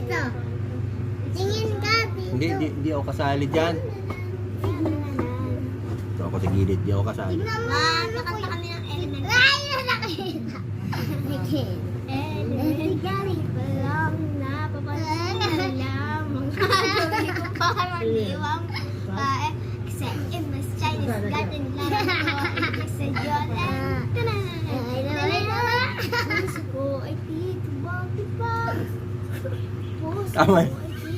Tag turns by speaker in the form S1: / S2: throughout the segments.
S1: dito. Tingin ka dito.
S2: Hindi ako kasali dyan. Ito ako sa gilid, di ako kasali.
S1: Tingnan mo. Nakanta kami ng element. Ay, nakakita. Elementary pa lang napapansin na lamang. Gawin ko parang iwang pae. Kasi in my Chinese garden lang ako. Sa Jordan. Puso ko ay titibag-tibag. Puso ko
S2: Tama.
S1: ay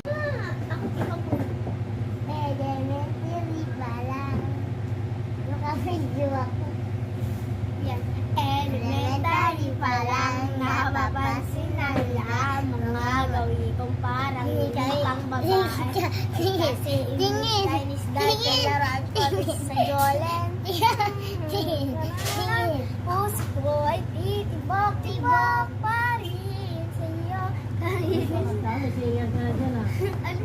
S1: elementary pa lang. Naka-video ako. Yan. Elementary pa lang napapansin na lamang mga gawin kong parang pang babae. Kasi in Chinese garden laran ko sa Jordan. Puso ko ay titibag-tibag pa rin sa'yo. Ano?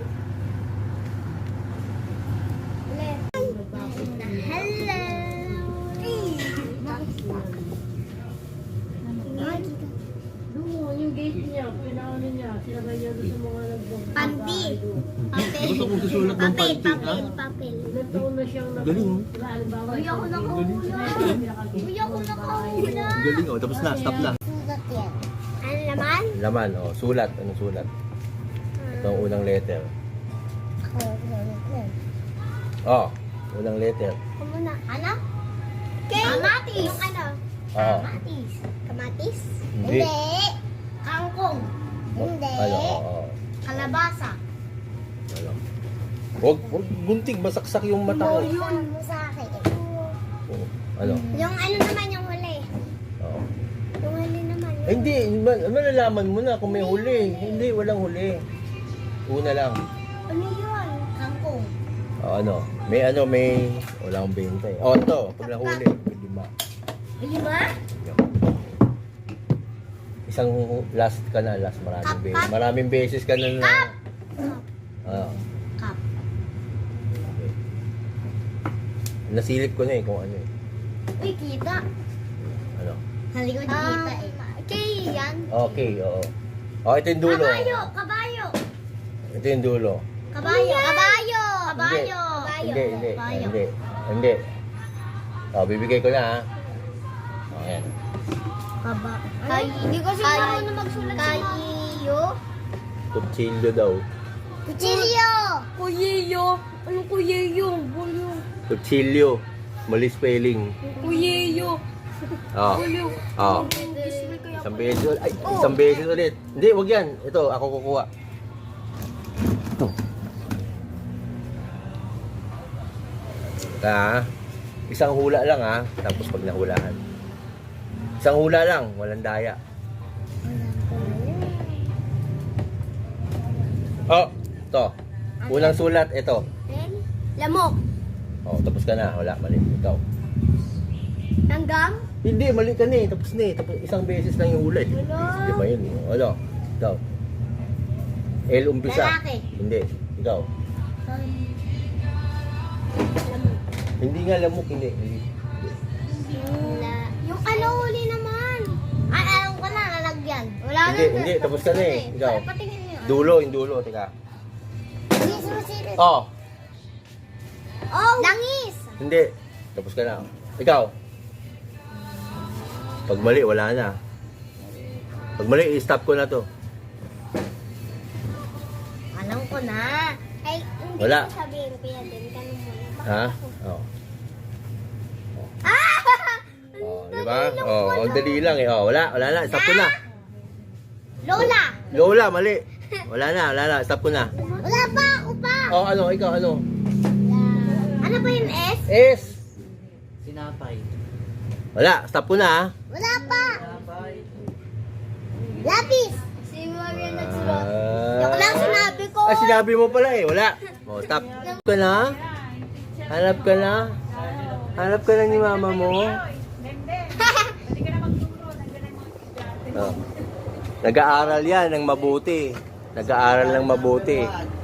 S1: Hello!
S3: Yung gate niya, pinaano niya, sinabay niya doon sa mga nagbang.
S1: Panti. Papel.
S2: Gusto kong susulat ng
S1: Papel,
S2: panty, ha?
S1: papel, papel.
S3: Ilan taon na siyang
S2: Galing, oh.
S3: halimbawa.
S1: Uy, ako nakahula. Uy, ako nakahula.
S2: Galing, oh. Tapos na, stop na.
S1: Sulat yan. Ano naman?
S2: Laman, oh. Sulat. Anong sulat? Ito ang unang letter.
S1: Ako,
S2: Oh, unang letter.
S1: muna. Ano? Kamatis. Yung ano?
S2: Oh.
S1: Kamatis. Kamatis?
S2: Hindi.
S1: Kangkong. Hindi.
S2: Ano, oh.
S1: Kalabasa.
S2: Ano. Huwag gunting, masaksak yung mata ko.
S1: Yun mo sa akin.
S2: Oh, ano?
S1: Yung ano naman yung huli.
S2: Oh.
S1: Yung huli naman.
S2: Eh, hindi, malalaman mo na kung may huli. Hindi, walang huli. Una lang.
S1: Ano yun? Kangkong.
S2: Oh, ano? May walang benta eh. Oh, ito, pag nahuli, may 5.
S1: Lima?
S2: Isang last ka na, last maraming beses. Maraming beses ka na na. Ah,
S1: Cup.
S2: okay. Nasilip ko na eh kung ano eh.
S1: Uy, kita.
S2: Ano?
S1: Hindi ko kita eh. Okay, yan.
S2: Okay, oo. Oh, ito yung dulo.
S1: Kabayo, kabayo.
S2: Ito yung dulo.
S1: Kabayo, kabayo. Kabayo.
S2: Hindi. Oh, bibigay ko na ha. Oh, ayan.
S1: Hindi ko siguro na magsulat sa mga. Kayo.
S2: Kutsilyo daw.
S1: Kuchilyo. Kuyiyo. Anong kuyiyo? Bulyo.
S2: Kutsilyo. Mali spelling.
S1: Kuyiyo.
S2: Oh. Oh. Isang beses ulit. Ay, isang beses ulit. Hindi, wag yan. Ito, ako kukuha. Ito. Isang hula lang ha. Tapos pag nahulahan. Isang hula lang. Walang daya. Oh, ito. Unang sulat, ito.
S1: Lamok.
S2: Oh, tapos ka na. Wala, mali. Ikaw.
S1: Langgam.
S2: Hindi, mali ka na eh. Tapos na eh. Tapos isang beses lang yung hula eh.
S1: Wala.
S2: Di ba yun? Ano? Ikaw. L umpisa.
S1: Lalaki.
S2: Hindi. Ikaw. Hindi nga lamok, hindi.
S1: Yung ano huli naman. Ay, alam ko na, lalagyan. Wala
S2: Hindi, hindi. Tapos ka na eh. Ikaw.
S1: Patingin niyo.
S2: Dulo, yung dulo. Teka.
S1: Susunod.
S2: Oh,
S1: Oh! Langis!
S2: hindi. Tapos ka na. Ikaw. Pag mali, wala na. Pag mali, i-stop ko na to.
S1: Alam ko na. Ay, hindi
S2: Wala.
S1: ko sabihin ko yan din. Ganun mo na.
S2: Ha? Oh.
S1: Ah!
S2: Oh, di ba? Oh, ang dali lang eh. Oh, wala na. Stop ko na.
S1: Lola!
S2: Lola, mali. Wala na. Stop ko na.
S1: Wala pa! Ako pa!
S2: Oh, ano? Ikaw, ano?
S1: Ano ba yung S?
S2: S.
S4: Sinapay.
S2: Wala. Stop ko na ha.
S1: Wala pa!
S4: Sinapay.
S1: Lapis! Si Maria nagsulat.
S2: Ah.
S1: Yung lang sinabi ko.
S2: Ah, sinabi mo pala eh. Wala. Oh, stop. Ka na? Hanap ka na? Hanap ka na ni mama mo? Oh. Nag-aaral yan ng mabuti. Nag-aaral ng mabuti.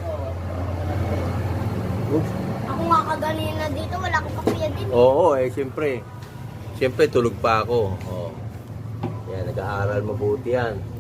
S1: Ako nga kaganina dito, wala akong kakuya din.
S2: Oo, eh, siyempre. Siyempre, tulog pa ako. Oh. Yan, nag-aaral mabuti yan.